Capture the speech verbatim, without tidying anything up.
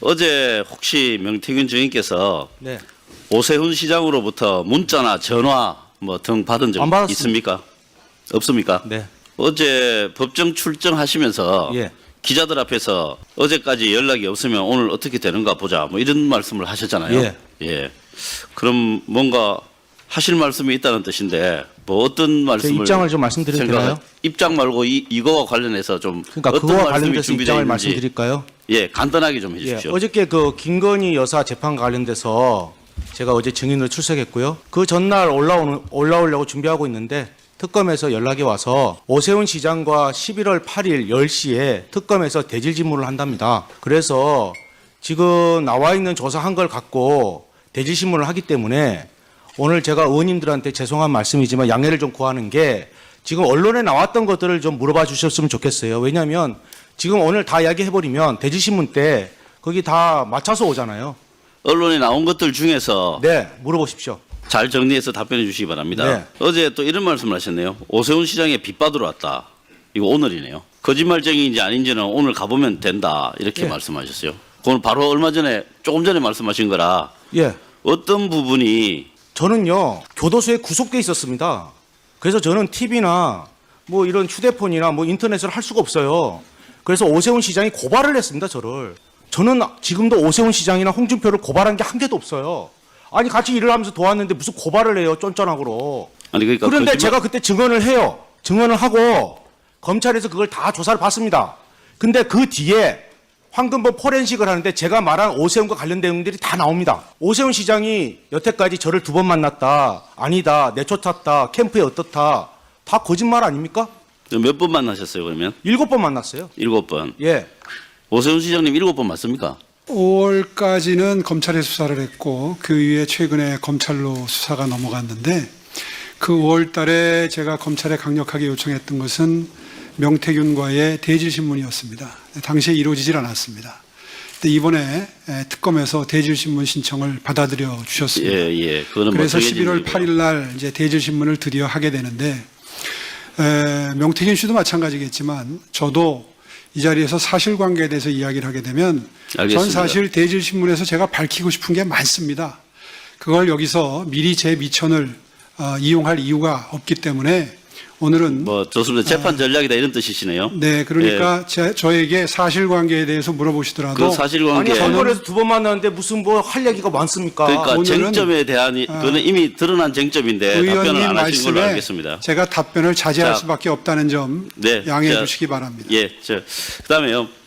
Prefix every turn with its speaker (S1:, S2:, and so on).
S1: 어제 혹시 명태균 증인께서
S2: 네.
S1: 오세훈 시장으로부터 문자나 전화 뭐 등 받은 적
S2: 안 받았습니다.
S1: 있습니까? 없습니까?
S2: 네.
S1: 어제 법정 출정하시면서
S2: 예.
S1: 기자들 앞에서 어제까지 연락이 없으면 오늘 어떻게 되는가 보자 뭐 이런 말씀을 하셨잖아요.
S2: 예.
S1: 예. 그럼 뭔가 하실 말씀이 있다는 뜻인데 뭐 어떤
S2: 제
S1: 말씀을
S2: 입장을 좀 말씀드려도
S1: 생각하-
S2: 되나요?
S1: 입장 말고 이, 이거와 관련해서 좀
S2: 그러니까
S1: 어떤
S2: 그거와
S1: 말씀이
S2: 관련돼서
S1: 준비되어
S2: 입장을
S1: 있는지
S2: 말씀드릴까요?
S1: 예 간단하게 좀
S2: 예.
S1: 해주십시오.
S2: 어저께 그 김건희 여사 재판 관련돼서 제가 어제 증인으로 출석했고요. 그 전날 올라오는 올라오려고 준비하고 있는데 특검에서 연락이 와서 오세훈 시장과 십일월 팔일 열 시에 특검에서 대질 신문을 한답니다. 그래서 지금 나와 있는 조사한 걸 갖고 대질 신문을 하기 때문에 오늘 제가 의원님들한테 죄송한 말씀이지만 양해를 좀 구하는 게 지금 언론에 나왔던 것들을 좀 물어봐 주셨으면 좋겠어요. 왜냐하면 지금 오늘 다 이야기해버리면 대질신문 때 거기 다 맞춰서 오잖아요.
S1: 언론에 나온 것들 중에서
S2: 네, 물어보십시오.
S1: 잘 정리해서 답변해 주시기 바랍니다.
S2: 네.
S1: 어제 또 이런 말씀을 하셨네요. 오세훈 시장에 빚받으러 왔다. 이거 오늘이네요. 거짓말쟁이인지 아닌지는 오늘 가보면 된다. 이렇게
S2: 예.
S1: 말씀하셨어요. 그건 바로 얼마 전에 조금 전에 말씀하신 거라
S2: 예,
S1: 어떤 부분이
S2: 저는요 교도소에 구속돼 있었습니다. 그래서 저는 티비나 뭐 이런 휴대폰이나 뭐 인터넷을 할 수가 없어요. 그래서 오세훈 시장이 고발을 했습니다. 저를. 저는 지금도 오세훈 시장이나 홍준표를 고발한 게 한 개도 없어요. 아니 같이 일을 하면서 도왔는데 무슨 고발을 해요, 쫀쫀하고로.
S1: 아니 그러니까
S2: 그런데
S1: 거짓말-
S2: 제가 그때 증언을 해요. 증언을 하고 검찰에서 그걸 다 조사를 받습니다. 근데 그 뒤에 황금범 포렌식을 하는데 제가 말한 오세훈과 관련된 내용들이 다 나옵니다. 오세훈 시장이 여태까지 저를 두 번 만났다. 아니다. 내쫓았다. 캠프에 어떻다. 다 거짓말 아닙니까?
S1: 몇 번 만나셨어요 그러면?
S2: 일곱 번 만났어요.
S1: 일곱 번.
S2: 예.
S1: 오세훈 시장님 일곱 번 맞습니까?
S3: 오월까지는 검찰에 수사를 했고 그 이후에 최근에 검찰로 수사가 넘어갔는데 그 오월 달에 제가 검찰에 강력하게 요청했던 것은 명태균과의 대질신문이었습니다. 당시에 이루어지질 않았습니다. 근데 이번에 특검에서 대질신문 신청을 받아들여 주셨습니다.
S1: 예, 예. 그거는 뭐
S3: 그래서
S1: 정해진
S3: 십일월
S1: 일이고요.
S3: 팔일 날 이제 대질신문을 드디어 하게 되는데 에, 명태균 씨도 마찬가지겠지만 저도 이 자리에서 사실관계에 대해서 이야기를 하게 되면
S1: 알겠습니다.
S3: 전 사실 대질신문에서 제가 밝히고 싶은 게 많습니다. 그걸 여기서 미리 제 미천을 어, 이용할 이유가 없기 때문에 오늘은
S1: 뭐 좋습니다. 재판 전략이다 이런 뜻이시네요.
S3: 네 그러니까 제, 저에게 사실관계에 대해서 물어보시더라도
S1: 그 사실관계
S2: 아니 한 번에서 두 번 만났는데 무슨 뭐 할 얘기가 많습니까?
S1: 그러니까
S3: 오늘은-
S1: 쟁점에 대한 이- 그거는 이미 드러난 쟁점인데 답변을
S3: 의원님
S1: 안 하신 걸로
S3: 말씀에
S1: 알겠습니다.
S3: 제가 답변을 자제할
S1: 자,
S3: 수밖에 없다는 점
S1: 네,
S3: 양해해
S1: 자,
S3: 주시기 바랍니다.
S1: 예, 저 그다음에요.